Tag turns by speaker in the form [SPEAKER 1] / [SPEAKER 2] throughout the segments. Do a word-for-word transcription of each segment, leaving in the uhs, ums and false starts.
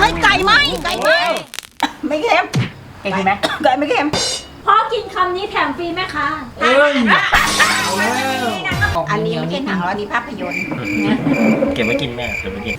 [SPEAKER 1] ฮ้ยไก่ไหมไก่ไหมไม่เค็ม
[SPEAKER 2] ไก่ดีไหม
[SPEAKER 1] ไก่ไม่เค็ม
[SPEAKER 3] พอกินคำนี้แถมฟรีไหมคะ
[SPEAKER 2] เอ้ย
[SPEAKER 1] อันนี้ไม่ใช่หนังแล้วอันนี้ภาพยนตร์
[SPEAKER 2] เก็บไว้กินแม่เก็บไว้กิน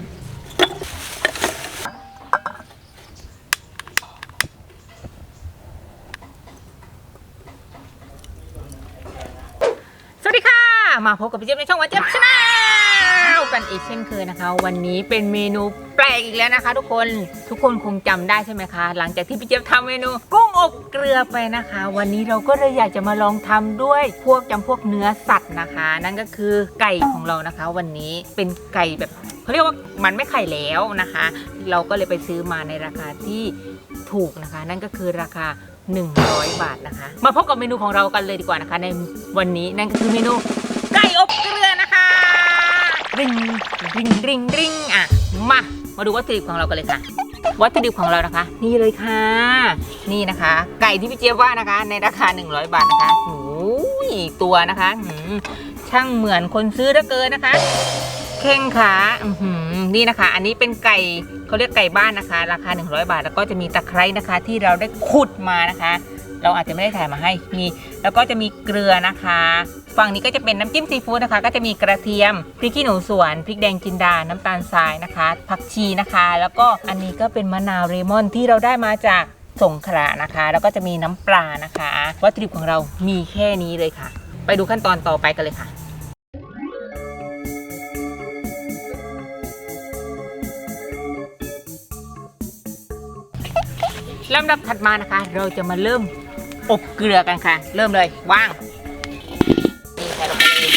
[SPEAKER 2] สวัสดีค่ะมาพบกับพี่เจี๊ยบในช่องวันเจี๊ยบชาแนลกันอีกเช่นเคยนะคะ วันนี้เป็นเมนูแปลกอีกแล้วนะคะ ทุกคนทุกคนคงจำได้ใช่ไหมคะหลังจากที่พี่เจี๊ยบทำเมนูกุ้งอบเกลือไปนะคะ วันนี้เราก็เลยอยากจะมาลองทำด้วยพวกจำพวกเนื้อสัตว์นะคะ นั่นก็คือไก่ของเรานะคะ วันนี้เป็นไก่แบบเขาเรียกว่ามันไม่ไข่แล้วนะคะ เราก็เลยไปซื้อมาในราคาที่ถูกนะคะ นั่นก็คือราคาหนึ่งร้อยบาทนะคะมาพบกับเมนูของเรากันเลยดีกว่านะคะในวันนี้นั่นก็คือเมนูไก่อบเกลือนะคะริงริงริงริงอ่ะมามาดูวัตถุดิบของเรากันเลยค่ะวัตถุดิบของเรานะคะนี่เลยค่ะนี่นะคะ ไก่ที่พี่เจี๊ยบว่านะคะในราคาหนึ่งร้อยบาทนะคะโอ้ยตัวนะคะช่างเหมือนคนซื้อเหลือเกินนะคะเข่งขานี่นะคะ อันนี้เป็นไก่เขาเรียกไก่บ้านนะคะราคาหนึ่งร้อยบาทแล้วก็จะมีตะไคร้นะคะที่เราได้ขุดมานะคะเราอาจจะไม่ได้ถ่ายมาให้มีแล้วก็จะมีเกลือนะคะฝั่งนี้ก็จะเป็นน้ำจิ้มซีฟู้ดนะคะก็จะมีกระเทียมพริกขี้หนูสวนพริกแดงจินดาน้ำตาลทรายนะคะผักชีนะคะแล้วก็อันนี้ก็เป็นมะนาวเรมอนที่เราได้มาจากสงขลานะคะแล้วก็จะมีน้ำปลานะคะวัตถุดิบของเรามีแค่นี้เลยค่ะไปดูขั้นตอนต่อไปกันเลยค่ะลำดับถัดมานะคะเราจะมาเริ่มอบเกลือกันค่ะเริ่มเลยว่างนี่ใส่ลงไปเลย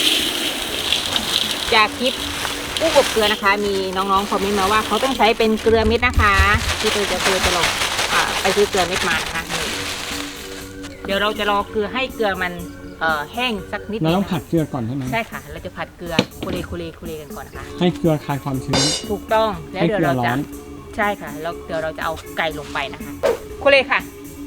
[SPEAKER 2] จากคลิปกุ้งอบเกลือนะคะมีน้องๆคอมเมนต์มาว่าเขาต้องใช้เป็นเกลือเม็ดนะคะที่เราจะเกลือจะลงไปซื้อเกลือเม็ดมานะคะเดี๋ยวเราจะรอเกลือให้เกลือมันแห้งสักนิดเราต้องผัดเกลือก่อนใช่ไหมใช่ค่ะเราจะผัดเกลือคุเรคุเรคุเรกันก่อนนะคะให้เกลือคลายความชื้นถูกต้องแล้วเดี๋ยวเราจะใช่ค่ะแล้วเดี๋ยวเราจะเอาไก่ลงไปนะคะคุเรค่ะ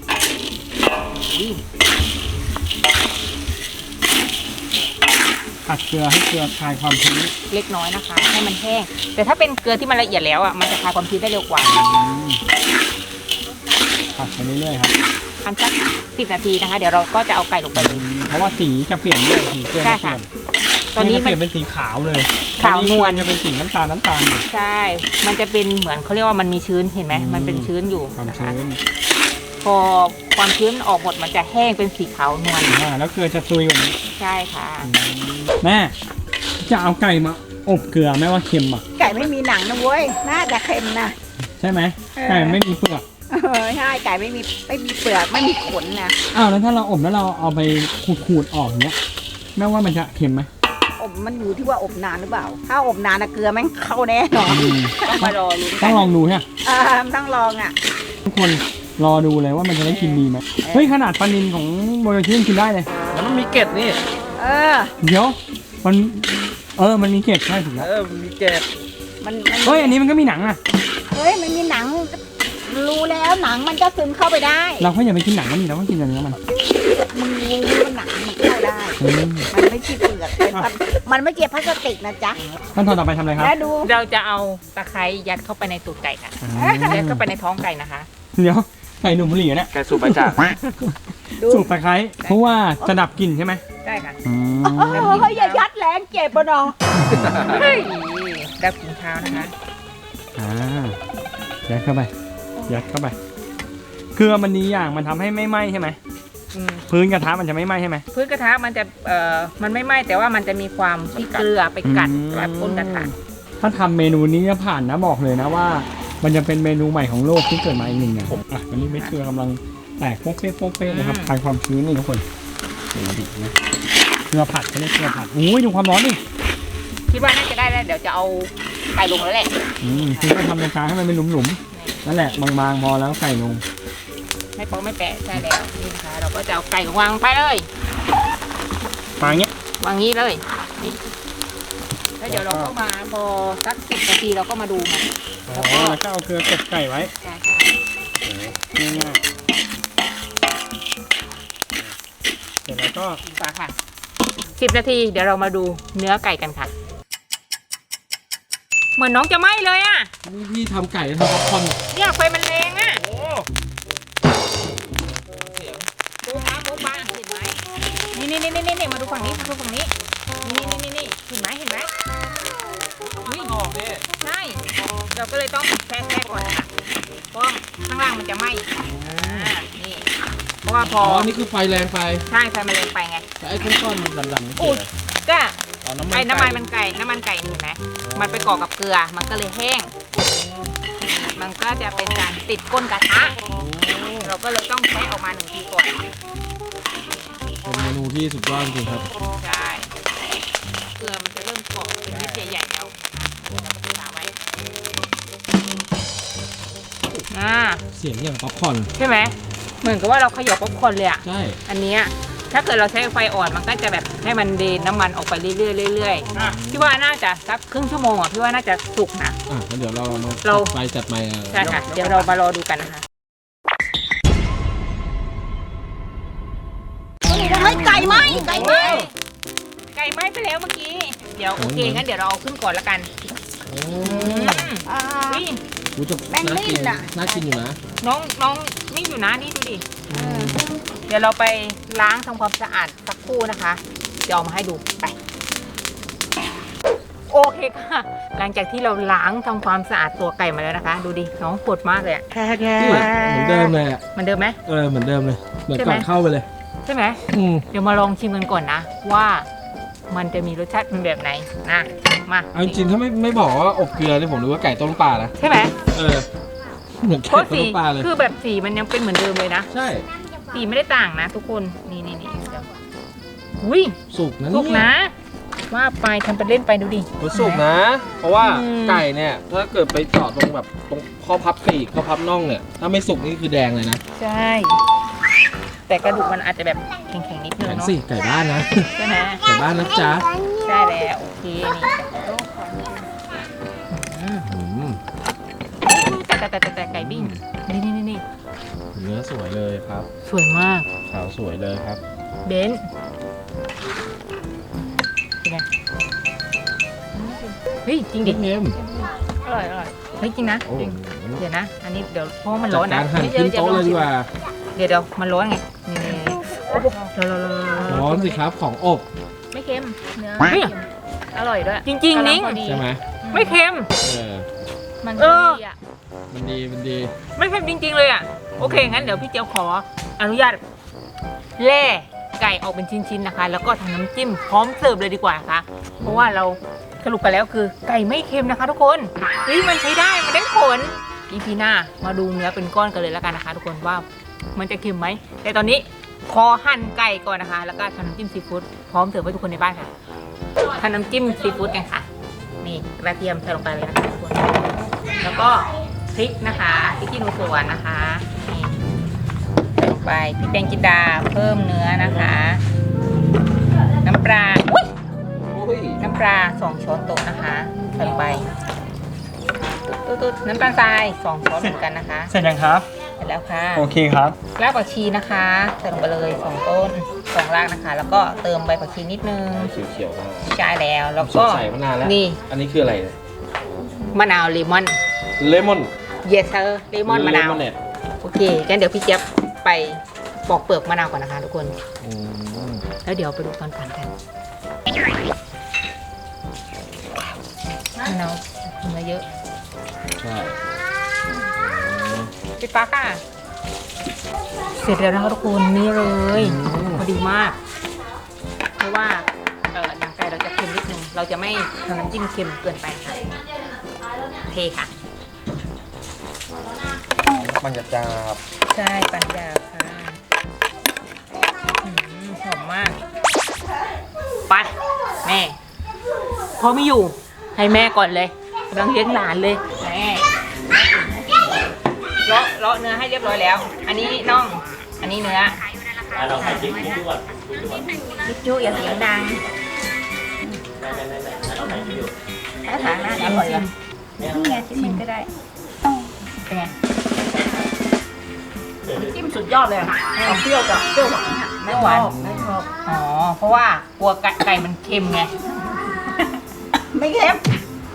[SPEAKER 4] ผัดเกลือให้เกลือคลายความชื้น
[SPEAKER 2] เล็กน้อยนะคะให้มันแห้งแต่ถ้าเป็นเกลือที่มันละเอียดแล้วอ่ะมันจะคลายความชื้นได้เร็วกว่า
[SPEAKER 4] ผัดไปเรื่อยๆครับ
[SPEAKER 2] ทำสักสิบนาทีนะคะเดี๋ยวเราก็จะเอาไก่ลงไปเลย
[SPEAKER 4] เพราะว่าสีจะเปลี่ยนด้วยสีเกลือจะเปลี่ยน
[SPEAKER 2] ตอนนี้
[SPEAKER 4] มันเปลี่ยนเป็นสีขาวเลย
[SPEAKER 2] ขาวนวล
[SPEAKER 4] จะเป็นสีน้ำตาลน้ำตาล
[SPEAKER 2] ใช่มันจะเป็นเหมือนเขาเรียกว่ามันมีชื้นเห็นไหมมันเป็นชื้นอยู่
[SPEAKER 4] นะคะ
[SPEAKER 2] พอความชื้นออกหมดมันจะแห้งเป็นสีขาวนวล
[SPEAKER 4] อ่าแล้วเกลือจะซุยกว่านี้
[SPEAKER 2] ใช่ค่ะ
[SPEAKER 4] แม่จะเอาไก่มาอบเกลือแม่ว่าเค็มอ่ะ
[SPEAKER 1] ไก่ไม่มีหนังนะเว้ยน่าจะเค็มนะ
[SPEAKER 4] ใช่ไหมไก่ไม่มีเปลือก
[SPEAKER 1] เออใช่ไก่ไม่มีไม่มีเปลือกไม่มีขนนะ
[SPEAKER 4] อ้าวแล้วถ้าเราอบแล้วเราเอาไปขูดๆออกเนี้ยแม่ว่ามันจะเค็มไหม
[SPEAKER 1] อบมันอยู่ที่ว่าอบนานหรือเปล่าถ้าอบนานนะเกลือแม่งเข้าแน่นอน
[SPEAKER 2] ต้องมารอรู้
[SPEAKER 4] ต้องลองดูใช่ไหม
[SPEAKER 1] อ่าต้องลองอ่ะ
[SPEAKER 4] ทุกคนรอดูเลยว่ามันจะได้กินดีไหมเฮ้ยขนาดปลานิลของโมโยชิกินได้เลย
[SPEAKER 2] แล้วมันมีเกล็ดนี่
[SPEAKER 1] เออ
[SPEAKER 4] เดี๋ยวมันเออมันมีเกล็ดใช่ถูกแล้ว
[SPEAKER 2] เออมีเกล็ด
[SPEAKER 1] มัน
[SPEAKER 4] เฮ้ยอันนี้มันก็มีหนังอะ
[SPEAKER 1] เฮ้ยมันมีหนังรู้แล้วหนังมันจะซึมเข้าไปได้
[SPEAKER 4] เราก็อย่าไปกินหนังมันนี่เราก็กินแต่เนื้อมัน
[SPEAKER 1] มึงรู้ว่าหนังมันเข้าได้มันไม่ใช่เปลือกมันไม่เกี่ยวพลาสติกนะจ๊ะ
[SPEAKER 4] ขั้นตอนต่อไปทำอะไรครับ
[SPEAKER 2] เราจะเอาตะไคร้ยัดเข้าไปในตูดไก่ค่ะยัดเข้าไปในท้องไก่นะคะ
[SPEAKER 4] เดี๋ยวไก่หนุ่มบุหรี่เนี่ย
[SPEAKER 2] ไก่สูบไปจ้ะ
[SPEAKER 4] สูบตะไคร้เพราะว่าจะดับกลิ่นใช่ไหม
[SPEAKER 2] ใช่ค่ะ
[SPEAKER 1] เฮ้ยอย่ายัดแรงเจ็บปะน้อง
[SPEAKER 2] เฮ้ยดับกลิ่นเท้านะคะ
[SPEAKER 4] อ่ายัดเข้าไปยัดเข้าไปเกลือมันดีอย่างมันทำให้ไม่ไหม้ใช่ไหมพื้นกระทะมันจะไม่ไหม้ใช่ไหม
[SPEAKER 2] พื้นกระทะมันจะเอ่อมันไม่ไหม้แต่ว่ามันจะมีความที่เกลือไปกัดแบบก้นกระทะ
[SPEAKER 4] ถ้าทำเมนูนี้จะผ่านนะบอกเลยนะว่ามันจะเป็นเมนูใหม่ของโลกที่เกิดมาอีกหนึ่งอย่างอ่ะวันนี้เม็ดเกลือกำลังแตกโป๊กเป๊ะโป๊กเป๊ะนะครับคลายความชื้นนี่ทุกคนดูดินะเกลือผัดก็เรียกเกลือผัดโอ้ยดูความร้อนดิ
[SPEAKER 2] คิดว่าน่าจะได้แล้วเดี๋ยวจะเอาไก่ลงแล้วแหละ
[SPEAKER 4] อืมคือก็ทำตรงกลางให้มันเป็นหลุมๆนั่นแหละบางๆพอแล้วไก่ลง
[SPEAKER 2] ไม่โป๊ะไม่แปะใช่แล้วนี่นะคะเราก็จะเอาไก่วางไปเลยว
[SPEAKER 4] างเงี้
[SPEAKER 2] ยวางงี้เลยแล้วเดี๋ยวเราก็มาพอสักสิบนาทีเราก็มาดูมัน
[SPEAKER 4] แล้วก็เอาเกลือกดไก่ไว้
[SPEAKER 2] ใช่ค่ะ
[SPEAKER 4] ง่ายๆเสร็จแล้วก็
[SPEAKER 2] ฝาค่ะสิบนาทีเดี๋ยวเรามาดูเนื้อไก่กันค่ะเหมือนน้องจะไหม้เลยอ่ะ
[SPEAKER 4] นี่พี่ทำไก่ทำป๊อปคอร์น
[SPEAKER 2] เนี่ยไฟมันแรงอ่ะ
[SPEAKER 4] โอ้เสียง
[SPEAKER 2] โบ๊ะบ้าโบ๊ะบ้าเห็นไหมนี่นี่นี่นี่นี่มาดูฝั่งนี้มาดูฝั่งนี้นี่นี่นี่นี่เห็นไหมเห็นไหมอุ้ย
[SPEAKER 4] ออกเนี่ย
[SPEAKER 2] ใช่เราก็เลยต้องแช่แช่ก่อนค่ะเพราะข้างล่างมันจะไหม้อ่านี่เพราะว่าพ
[SPEAKER 4] อ๋
[SPEAKER 2] อ
[SPEAKER 4] อ
[SPEAKER 2] อ
[SPEAKER 4] นี่คือไฟแรงไป
[SPEAKER 2] ใช่ไฟมันแรงไปไง
[SPEAKER 4] แต่ไอ้ก้อนๆมันดำๆนี่คืออะไร
[SPEAKER 2] ก็
[SPEAKER 4] อ๋อน้ำมัน
[SPEAKER 2] ไอ้น้ำมัน
[SPEAKER 4] ไก่
[SPEAKER 2] มันไก่น้ำมันไก่นี่เห็นไหมมันไปเกาะกับเกลือมันก็เลยแห้ง มันก็จะเป็นการติดก้นกระทะเราก็เลยต้องแช่ออกมาหนึ่งทีก่อน
[SPEAKER 4] เป็นเมนูที่สุดยอดจริงๆครับ
[SPEAKER 2] ใช่เกลือมันจะเริ่มเกาะเป็นเม็ดใหญ่ๆแล้วเราก็จะตาไว้อ่า
[SPEAKER 4] เสียงอย่างป๊อปคอร์น
[SPEAKER 2] ใช่ไหมเหมือนกับว่าเราขยบป๊อปคอร์นเลยอะ
[SPEAKER 4] ใช่
[SPEAKER 2] อันเนี้ยถ้าเกิดเราใช้ไฟอ่อนมันก็จะแบบให้มันเดนน้ำมันออกไปเรื่อยๆเรื่อยๆพี่ว่าน่าจะสักครึ่งชั่วโมงอ่ะพี่ว่าน่าจะสุกนะ
[SPEAKER 4] อ่ะงั้นเดี๋ยวเรามา
[SPEAKER 2] เรา
[SPEAKER 4] จัดไฟจัดไมค์กัน
[SPEAKER 2] ใช่ค่ะ เดี๋ยวเรามารอดูกันนะคะ
[SPEAKER 1] เฮ้ยไก่ไหมไก่ไหม
[SPEAKER 2] ไก่ไหม้ไปแล้วเมื่อกี้ เดี๋ยวโอเคงั้นเดี๋ยวเราเอาขึ้นก่อนละกัน
[SPEAKER 4] โอ้
[SPEAKER 1] อ่า
[SPEAKER 2] อุ้ย
[SPEAKER 4] รู้จะ
[SPEAKER 1] แป้ง
[SPEAKER 4] น่า
[SPEAKER 1] นิ่
[SPEAKER 4] กิน
[SPEAKER 1] มน่ะ
[SPEAKER 4] น่ากินอยู่นะ
[SPEAKER 2] น้องน้องนี่อยู่นะนี่ดูดิ เดี๋ยวเราไปล้างทำความสะอาดสักครู่นะคะ เดี๋ยวเอามาให้ดูไป โอเคค่ะ หลังจากที่เราล้างทำความสะอาดตัวไก่มาแล้วนะคะ ดูดิน้องปวดมากเลยอะ
[SPEAKER 4] นี่เหมือนเดิมเลยอ่ะ
[SPEAKER 2] เหมันเดิมไหม
[SPEAKER 4] เออเหมือนเดิมเลย เหมือน
[SPEAKER 2] ใช่ไหม
[SPEAKER 4] ก่อนเข้าไปเลย
[SPEAKER 2] ใช่ไหม
[SPEAKER 4] อืม
[SPEAKER 2] เดี๋ยวมาลองชิมกันก่อนนะ ว่ามันจะมีรสชาติเป็นแบบไหนนะมา
[SPEAKER 4] เอาจริงๆถ้าไม่ไม่บอกว่าอบเกลือนี่ผมนึกว่าไก่ต้มปลานะ
[SPEAKER 2] ใช่ไหม
[SPEAKER 4] เออ เหมือน
[SPEAKER 2] เพ
[SPEAKER 4] ไก่
[SPEAKER 2] ราะ
[SPEAKER 4] ต้
[SPEAKER 2] สี
[SPEAKER 4] มปลาเลย
[SPEAKER 2] คือแบบสีมันยังเป็นเหมือนเดิมเลยนะ
[SPEAKER 4] ใช่
[SPEAKER 2] สีไม่ได้ต่างนะ ทุกคนนี่นี่นี่เดี๋ยวอุ้ย
[SPEAKER 4] สุกนะ
[SPEAKER 2] สุก
[SPEAKER 4] เนี่ย
[SPEAKER 2] นะ ว่าไปทำเป็นเล่นไปดูดิ
[SPEAKER 4] มันสุกนะ เพราะว่า
[SPEAKER 2] อืม
[SPEAKER 4] ไก่เนี่ย ถ้าเกิดไปเจาะตรงแบบตรงข้อพับปีกข้อพับน่องเนี่ย ถ้าไม่สุกนี่คือแดงเลยนะ
[SPEAKER 2] ใช่ แต่กระดูกมันอาจจะแบบแข็งๆนิดนึง
[SPEAKER 4] แข็ง
[SPEAKER 2] เนาะ
[SPEAKER 4] สิไก่บ้านนะ
[SPEAKER 2] ใช่ไหม
[SPEAKER 4] ไก่บ้านนะจ๊ะ
[SPEAKER 2] ใช่แล้วโอเคนี่อืม
[SPEAKER 4] อืม
[SPEAKER 2] แต่แต่แต่แต่แต่ไก่บิ้งนี่นี่นี่นี่
[SPEAKER 4] เนื้อสวยเลยครับ
[SPEAKER 2] สวยมาก
[SPEAKER 4] ขาวสวยเลยครับ
[SPEAKER 2] เบนซ์เป็นไงเฮ้ยจริงดิ
[SPEAKER 4] เค็ม
[SPEAKER 2] อร่อยอร่อยเฮ้ยจริงนะ
[SPEAKER 4] โอ้
[SPEAKER 2] จริง
[SPEAKER 4] โห
[SPEAKER 2] เดี๋ยวนะ อันนี้เดี๋ยวเพราะว่ามัน
[SPEAKER 4] จั
[SPEAKER 2] ร้
[SPEAKER 4] ด
[SPEAKER 2] อน
[SPEAKER 4] กา
[SPEAKER 2] นะ
[SPEAKER 4] รหั่นขึ้นโต๊ะเลยดีกว่า
[SPEAKER 2] เดี๋ยวเดี๋ยวมันร้อนไงนี่โอ้โหร้อนร้อนร้อน
[SPEAKER 4] ร้อนสิครับของอบ
[SPEAKER 2] ไม่เค็มเนื้อไม่เค็มอร่อยด้วย จริงๆนิ้ง
[SPEAKER 4] ใช่ไหม
[SPEAKER 2] ไม่เค็ม
[SPEAKER 4] เออ
[SPEAKER 3] มัน
[SPEAKER 2] เออ
[SPEAKER 3] ดีอ่ะ
[SPEAKER 4] มันดีมันดี
[SPEAKER 2] ไม่เค็มจริง ๆ เลยอ่ะ โอเค งั้นเดี๋ยวพี่เจียวขออนุญาตแล่ไก่ออกเป็นชิ้นๆนะคะ แล้วก็ทำน้ำจิ้มพร้อมเสิร์ฟเลยดีกว่านะคะ เพราะว่าเราสรุปกันแล้วคือไก่ไม่เค็มนะคะ ทุกคนเฮ้ยมันใช้ได้ มันได้ผลอีพีหน้ามาดูเนื้อเป็นก้อนกันเลยแล้วกันนะคะ ทุกคนว่ามันจะเค็มไหม แต่ตอนนี้ขอหั่นไก่ก่อนนะคะ แล้วก็ทำน้ำจิ้มซีฟู้ดพร้อมเสิร์ฟให้ทุกคนในบ้านค่ะทำน้ำจิ้มซีฟู้ดกันค่ะ นี่กระเทียมใส่ลงไปเลยนะคะทุกคน แล้วก็พริกนะคะพริกขี้หนูสวนนะคะนี่ใส่ลงไปพริกแดงจินดาเพิ่มเนื้อนะคะ น้ำปลาอุ๊ย
[SPEAKER 4] โอ้ย
[SPEAKER 2] น้ำปลาสองช้อนโต๊ะนะคะใส่ลงไปตุ๊ดๆน้ำตาลทรายสองช้อนเหมือนกันนะคะ
[SPEAKER 4] เสร็จยังครับ
[SPEAKER 2] เสร็จแล้วค่ะ
[SPEAKER 4] โอเคครับ
[SPEAKER 2] รากผักชีนะคะใส่ลงไปเลยสองต้นสองรากนะคะ แล้วก็เติมใบผักชีนิดนึง
[SPEAKER 4] เขียวๆมา
[SPEAKER 2] ใช่แล้วแล้ว
[SPEAKER 4] ส
[SPEAKER 2] ก็
[SPEAKER 4] ดใสมานานแล้ว
[SPEAKER 2] นี่
[SPEAKER 4] อันนี้คืออะไรเนี่ย
[SPEAKER 2] มะนาวเลมอน
[SPEAKER 4] เลมอน
[SPEAKER 2] เยสเซอร์เลมอนมะนาว
[SPEAKER 4] เน็ต
[SPEAKER 2] โอเคงั้นเดี๋ยวพี่เจี๊ยบไปปอกเปลือกมะนาวก่อนนะคะทุกคน
[SPEAKER 4] อืม
[SPEAKER 2] แล้วเดี๋ยวไปดูตอนปั่นกันมะนาวเนื้อเยอะ
[SPEAKER 4] ใช่
[SPEAKER 2] ปิดปากค่ะ เสร็จแล้วนะคะทุกคนนี่เลยพอดีมาก เพราะว่าเออหนังไก่เราจะเค็มนิดนึง เราจะไม่ทำน้ำจิ้มเค็มเกินไปค่ะเทค่ะ
[SPEAKER 4] มันจะจับ
[SPEAKER 2] ใช่ปัญญาค่ะอืมหอมมาก ไป แม่พ่อไม่อยู่ ให้แม่ก่อนเลยกำลังเลี้ยงหลานเลยแม่เลาะเลาะเนื้อให้เรียบร้อยแล้ว อันนี้น่อง อันนี้เนื้อจิ๊บจุ๊อย่าเสียงดังถ้าทางหน้าจะอร่อยเหรอนี่ไงชิ้นมันก็ได้เป็นไง
[SPEAKER 1] จิ้มสุดยอดเลยอะเอาเปรี้ยวกับเปรี้ยวหวานอะ
[SPEAKER 2] ไม่หวาน
[SPEAKER 1] ไม่ชอบ
[SPEAKER 2] อ๋อ เพราะว่ากลัวไก่ไก่มันเค็มไง
[SPEAKER 1] ไม่เค็ม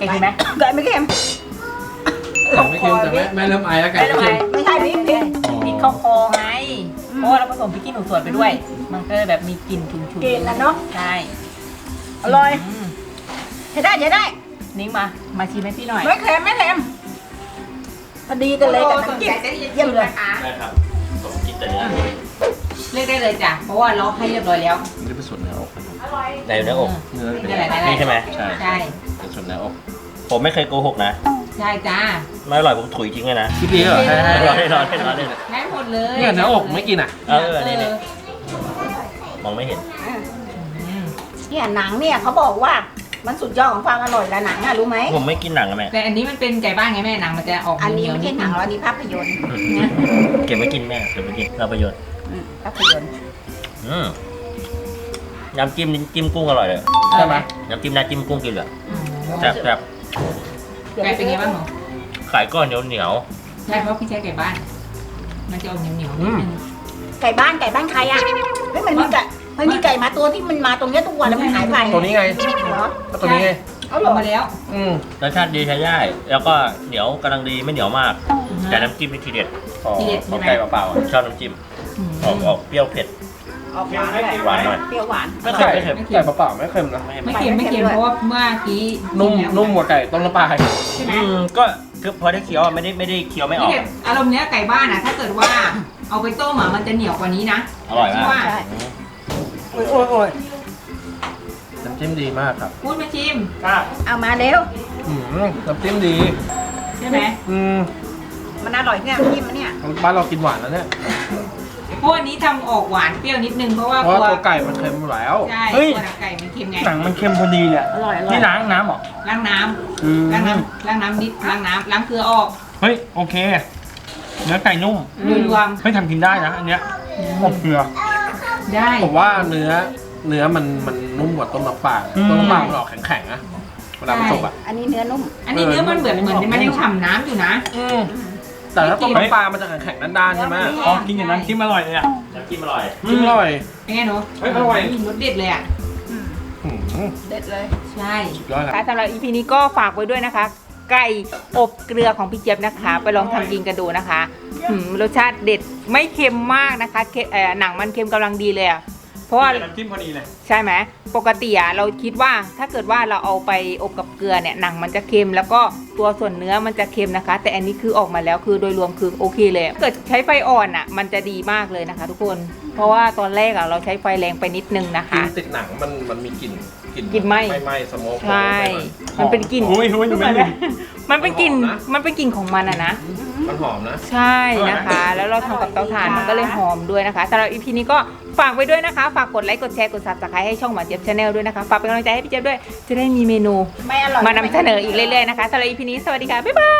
[SPEAKER 2] ก่กินไหม
[SPEAKER 1] ไก่ไม่เค็ม
[SPEAKER 4] แต่ไม่เค็มแต่แม่แม่เริ่มไอแล้วไก่
[SPEAKER 2] ไม่ทำไม
[SPEAKER 1] ไม่ใช่พริกพริก
[SPEAKER 2] พริกเข้าคอไงเพราะว่าเราผสมพริกขี้หนูสวนไปด้วย มันก็เลยแบบมีกลิ่นฉุนๆ
[SPEAKER 1] กินนะเนาะ
[SPEAKER 2] ใช่
[SPEAKER 1] อร่อย
[SPEAKER 2] ม
[SPEAKER 1] ใช้ได้ใช้ได้
[SPEAKER 2] นิ้งมามาชิมให้พี่หน่อย
[SPEAKER 1] ไม่เค็มไม่เค็มพอดีกันเลยกับน้ำจิ้มเยี่ยมเลย
[SPEAKER 5] ได้ครับผมกินแต่เนื้อ
[SPEAKER 2] เลือกได้เลยจ้ะเพราะว่าล็อกให้เรียบร้อยแล้ว
[SPEAKER 5] นี่เป็นส่วนเนื้ออกในเนื้ออก
[SPEAKER 2] เออนี่แหละ
[SPEAKER 5] นี่ใช่ไหม
[SPEAKER 2] ใช่
[SPEAKER 5] ใช่เป็นส่วนเนื้ออกผมไม่เคยโกหกนะ
[SPEAKER 2] ใช่จ้า
[SPEAKER 5] ไม่อร่อยผมถุยทิ้งเลยนะ
[SPEAKER 4] คิดดีเหรอ
[SPEAKER 2] ไม่ได้
[SPEAKER 5] ร้อนได้ร้อนได้ร้อนได้
[SPEAKER 2] ได้หมดเลย
[SPEAKER 4] เนี่ยเนื้ออกไม่กินอ่ะ
[SPEAKER 5] เออนี่นี่มองไม่เห็น
[SPEAKER 2] อืม
[SPEAKER 1] เนี่ยหนังเนี่ยเขาบอกว่ามันสุดยอดของความอร่อยแล้วหนังอะรู้ไหม
[SPEAKER 5] ผมไม่กินหนังอะแม่
[SPEAKER 2] แต่อันนี้มันเป็นไก่บ้านไงแม่หนังมันจะออก
[SPEAKER 1] อันนี้
[SPEAKER 2] เหยว
[SPEAKER 1] ไม่
[SPEAKER 2] ๆ
[SPEAKER 1] ใช่หนังหรอกอันนี้ภาพยนตร์
[SPEAKER 5] เก็บไว้กินแม่เก็บไว้กินเราประโยชน์
[SPEAKER 1] อืมภาพยนตร์
[SPEAKER 5] อืมยำจิ้มจิ้มกุ้งอร่อยเลย
[SPEAKER 4] ใช่ไหม
[SPEAKER 5] ยำจิ้มน้ำจิ้มกุ้งกินเลย
[SPEAKER 2] อืม
[SPEAKER 5] แซ่บแซ่บ
[SPEAKER 2] ไก่เป็นไงบ้างหนู
[SPEAKER 5] ขายก้อนเหนียวเหนียว
[SPEAKER 2] ใช่เพราะพี่ใช้ไก่บ้าน มันจะออกเหนียวๆนิดนึง
[SPEAKER 1] ไก่บ้านไก่บ้านใครอะเฮ้ยมันมีไก่มันมีไก่มาตัวที่มันมาตรงเนี้ยทุกวันแล้วมันหายไป
[SPEAKER 4] ตัวนี้ไง
[SPEAKER 1] เหรอ
[SPEAKER 4] แล้วตัวนี้ไง
[SPEAKER 1] เอาเหร
[SPEAKER 2] ล
[SPEAKER 1] อง
[SPEAKER 2] มาแล้ว
[SPEAKER 4] อืม
[SPEAKER 5] รสชาติดีใช้ได้แล้วก็เหนียวกำลังดีไม่เหนียวมาก แต่น้ำจิ้มเป็นทีเด็ด
[SPEAKER 4] ของ
[SPEAKER 2] ทีเด็ดใช่
[SPEAKER 4] ของ
[SPEAKER 2] ไหม
[SPEAKER 4] ไก่เปล่าๆอ่ะ
[SPEAKER 5] ชอบน้ำจิ้ม
[SPEAKER 2] อืม
[SPEAKER 5] ออกออกเปรี้ยวเผ็ด
[SPEAKER 1] ออกหวานเลย
[SPEAKER 5] หวานหน่อย
[SPEAKER 1] เปรี้ยวหวาน
[SPEAKER 5] ไม่เค็ม
[SPEAKER 4] ไก่
[SPEAKER 5] ไม่เค็ม
[SPEAKER 4] ไก่เปล่าๆไม่เค็มนะ
[SPEAKER 5] ไม่
[SPEAKER 2] ไม่
[SPEAKER 5] ไม่
[SPEAKER 2] เค็มไม่เค็มเพราะว่าเมื่อกี้
[SPEAKER 4] นุ่ม
[SPEAKER 2] กิแล้ว
[SPEAKER 4] นุ่มกว่าไก่ต้มน้ำปลา
[SPEAKER 2] ใช่ไหม
[SPEAKER 5] อืมก็คือพอได้เคี้ยวอะไม่ได้ไม่ได้เคี้ยวไม่ออก
[SPEAKER 2] พี่เด็ดอารมณ์เนี้ยไก่บ้านอ่ะ ถ้าเกิดว่าเอาไปต้มอ่ะมันจะเหนียวกว่านี้นะ
[SPEAKER 5] อร่อยมาก
[SPEAKER 2] ว่า
[SPEAKER 1] ใช่
[SPEAKER 5] อืม
[SPEAKER 1] โอ้ยโอ้ยโอ้ย
[SPEAKER 4] น้ำจิ้มดีมากครับ
[SPEAKER 2] พูดมาชิม
[SPEAKER 1] เอามาเร็ว
[SPEAKER 4] อืมน้ำจิ้มดี
[SPEAKER 2] ใช่ไหม
[SPEAKER 4] อืม
[SPEAKER 1] มันอร่อยเนี่ยจิ้มมันเนี่ย
[SPEAKER 4] บ้านเรากินหวานแล้วเนี่ย
[SPEAKER 2] เพราะอันนี้ทำออกหวานเปรี้ยวนิดนึงเพราะว่า
[SPEAKER 4] เพราะ
[SPEAKER 2] ตัว
[SPEAKER 4] ว่าตัวไก่มันเค็มอยู่แล้ว
[SPEAKER 2] ใช่
[SPEAKER 4] เฮ้ย
[SPEAKER 2] ตัวหนังไก่มันเค็มไง
[SPEAKER 4] หนังมันเค็มพอดีเนี่ย
[SPEAKER 1] อร่อยอร่อย
[SPEAKER 4] นี่ล้างน้ำเหรอ
[SPEAKER 2] ล้างน้ำ
[SPEAKER 4] อืม
[SPEAKER 2] ล้างน้ำล้างน้ำนิดล้างน้ำล้างเกลือออก
[SPEAKER 4] เฮ้ยโอเค เนื้อไก่นุ่ม
[SPEAKER 2] โดยรวม
[SPEAKER 4] เฮ้ยทำกินได้นะอันเนี้ยอบเกลือ
[SPEAKER 2] ได้
[SPEAKER 4] ผมว่าเนื้อเนื้อมันมันนุ่มกว่าต้มน้ำปลา
[SPEAKER 2] อืม
[SPEAKER 4] ต้มน้ำปลามันออกแข็งๆนะเวลามันสุกอ่ะ
[SPEAKER 1] อันนี้เนื้อนุ่ม
[SPEAKER 2] อันนี้เนื้อมันเหมือนเหมือนมันยังฉ่ำน้ำอยู่นะ
[SPEAKER 4] อืมแต่ถ้าต้มน้ำปลามันจะแข็งๆด้านๆใช่ไหม
[SPEAKER 1] อ๋อ
[SPEAKER 4] กินกับน้ำจิ้มอร่อยเลยอ่ะ
[SPEAKER 5] น้ำจิ้มอร่อย
[SPEAKER 4] จิ้มอร่อย
[SPEAKER 2] เป็นไงหนู
[SPEAKER 4] เฮ้ยอร่อย
[SPEAKER 2] รสเด็ดเลยอ่ะ
[SPEAKER 1] อืม
[SPEAKER 4] อืม
[SPEAKER 1] เด็ดเลย
[SPEAKER 2] ใช่
[SPEAKER 4] สุดยอดครับ
[SPEAKER 2] ค่ะสำหรับ อี พี นี้ก็ฝากไว้ด้วยนะคะ ไก่อบเกลือของพี่เจี๊ยบนะคะ ไปลองทำกินกันดูนะคะหืมรสชาติเด็ดไม่เค็มมากนะคะเค็มเอ่อหนังมันเค็มกำลังดีเลยอะเพราะว่า
[SPEAKER 4] น้ำจิ้มพอดีเลย
[SPEAKER 2] ใช่ไหมปกติอะเราคิดว่าถ้าเกิดว่าเราเอาไปอบกับเกลือเนี่ยหนังมันจะเค็มแล้วก็ตัวส่วนเนื้อมันจะเค็มนะคะ แต่อันนี้คือออกมาแล้วคือโดยรวมคือโอเคเลยถ้าเกิดใช้ไฟอ่อนอะมันจะดีมากเลยนะคะ ทุกคน เพราะว่าตอนแรกอะเราใช้ไฟแรงไปนิดนึงนะ
[SPEAKER 4] กิน
[SPEAKER 2] คะ
[SPEAKER 4] ติดหนังมันมันมีกลิ่น
[SPEAKER 2] กลิ่นไหม้
[SPEAKER 4] ไหม้สโมก
[SPEAKER 2] ใช่ มันเป็นกลิ่น
[SPEAKER 4] โอ้ยโอ้ยมันเป็น
[SPEAKER 2] มันเป็นกลิ่นมันเป็นกลิ่นของมันอะนะ
[SPEAKER 4] มันหอมนะ
[SPEAKER 2] ใช่นะคะ แล้วเราทำกับเตาถ่านมันก็เลยหอมด้วยนะคะสำหรับ อี พี นี้ก็ฝากไว้ด้วยนะคะ ฝากกดไลค์ กดแชร์ กด ซับสไครบ์ ให้ช่องหวานเจี๊ยบชาแนลด้วยนะคะ ฝากเป็นกำลังใจให้พี่เจี๊ยบด้วย จะได้มีเมนู
[SPEAKER 1] ไม่อร่อย
[SPEAKER 2] มานำเสนออีกเรื่อยๆนะคะสำหรับ อี พี นี้ สวัสดีค่ะ บ๊ายบาย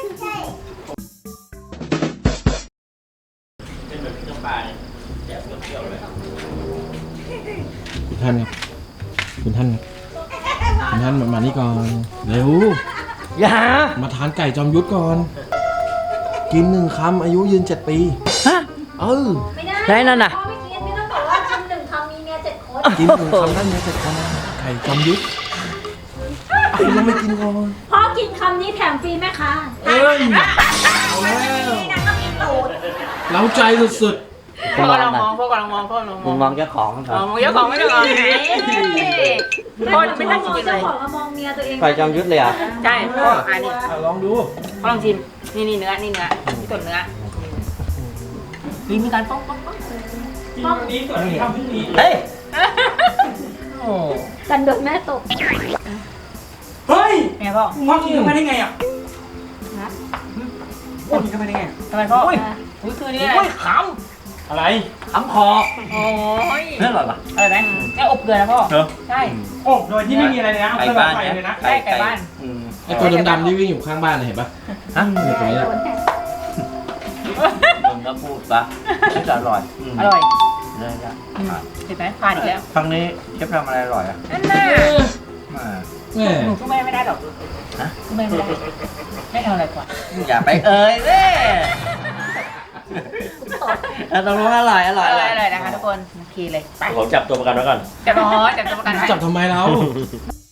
[SPEAKER 5] เป็นแบบพริกน้ำปลาเนี่ยแซ่บเปรี้ยวๆเลย
[SPEAKER 6] คุณท่านครับ คุณท่านครับ คุณท่านมามานี่ก่อน เร็ว
[SPEAKER 4] อย่า
[SPEAKER 6] มาทานไก่จอมยุทธก่อน กินหนึ่งคำอายุยืนเจ็ดปี
[SPEAKER 7] ฮะ
[SPEAKER 6] เออ
[SPEAKER 3] ไม่ได้
[SPEAKER 7] ได้นั่นน่ะ
[SPEAKER 3] พ่อไม่กินไม่ต้องบอกว่าคำหนึ่งคำมีเมียเจ็ดคน
[SPEAKER 6] กินหนึ่งคำท่านเนี้ยเจ็ดคนนะไก่จอมยุทธคุณยังไม่กินก่อน
[SPEAKER 3] พ่อกินคำนี้แถมฟรีไหมคะ
[SPEAKER 6] เอ้ยเอาแล้วเล้าใจสุด
[SPEAKER 2] พวกกำลังมองพวกกำลังมองพวกกำลังม
[SPEAKER 7] มึ
[SPEAKER 2] อง ง
[SPEAKER 7] มองเจ้าของค
[SPEAKER 2] อ๋
[SPEAKER 7] รั
[SPEAKER 2] อบ มองเจ้าของไม่ได้มองไหนพ่อไม่ได้
[SPEAKER 3] มอง
[SPEAKER 2] กินเล
[SPEAKER 3] เจ้าย ของกับมองเมียตัวเอง
[SPEAKER 7] ไก่จอมยุทธเลยอ่ะ
[SPEAKER 2] ใช่พ่ออันนี้
[SPEAKER 4] อ่ะลองดู
[SPEAKER 2] พ่อลองชิม นี่นี่เนื้อ นี่เนื้อนี่ส่วนเนื้อมีมีการป้องป้องป้อง
[SPEAKER 3] ป้อง
[SPEAKER 4] นี้ส่วนที่ทำพรุ่งนี้
[SPEAKER 7] เฮ้ย
[SPEAKER 4] โอ้
[SPEAKER 3] กันโดนแม่ตก
[SPEAKER 4] เฮ้ย
[SPEAKER 2] ไงพ่อ
[SPEAKER 4] พ่อกินเข้าไปได้ไงอ่ะ
[SPEAKER 3] นะ
[SPEAKER 4] พ่อกินเข้าไปได้ไง
[SPEAKER 2] ทำไมพ่อ
[SPEAKER 4] โอ้ย
[SPEAKER 2] อุ้ยคือนี่อะไร
[SPEAKER 4] โอ้ยขำอะไร
[SPEAKER 7] ขำคอ
[SPEAKER 2] โอ้ย
[SPEAKER 7] เรื่องอะไรปะ
[SPEAKER 2] อะไรไหมแม่อบเกลือนะพ่อ
[SPEAKER 5] เหรอ
[SPEAKER 2] ใช่
[SPEAKER 4] อบโดยที่ไม่มีอะไรเลยนะ
[SPEAKER 7] ไก่
[SPEAKER 4] เอา
[SPEAKER 7] บ้าน
[SPEAKER 4] ไฟเลยนะ
[SPEAKER 2] ใช่ไก่บ้าน
[SPEAKER 7] อืม
[SPEAKER 6] ๆไอตัวดำๆที่วิ่งอยู่ข้างบ้านน่ะเห็นปะ
[SPEAKER 7] ฮะ
[SPEAKER 6] เนี่ยตัวเนี้ย
[SPEAKER 7] มึงก็พูดปะไม่อร่อยม
[SPEAKER 2] อร่อย
[SPEAKER 7] เลยจ้ะ
[SPEAKER 2] อืมเห็นไหมผ่านอีกแล้ว
[SPEAKER 7] ครั้งนี้เชฟทำอะไรอร่อยอ่ะ
[SPEAKER 2] นั่นน่ะ
[SPEAKER 7] มา
[SPEAKER 6] แม่
[SPEAKER 2] หนูสู้แม่ไม่ได้หรอก
[SPEAKER 7] ฮะ
[SPEAKER 2] สู้แม่ไม่ได้แม่ทำอะไรก่อน
[SPEAKER 7] อย่าไปเอ่ยเว้ยเอาตรงนู้นอร่อยอ
[SPEAKER 2] อ
[SPEAKER 7] ร่อย
[SPEAKER 2] ร่อยอร่อยนะคะทุกคนโอเคเลยไป
[SPEAKER 5] ผมจับตัวประกันไว้ก่อน
[SPEAKER 2] จับรอจับตัวประกันไว้
[SPEAKER 6] จับทำไมเรา
[SPEAKER 5] เ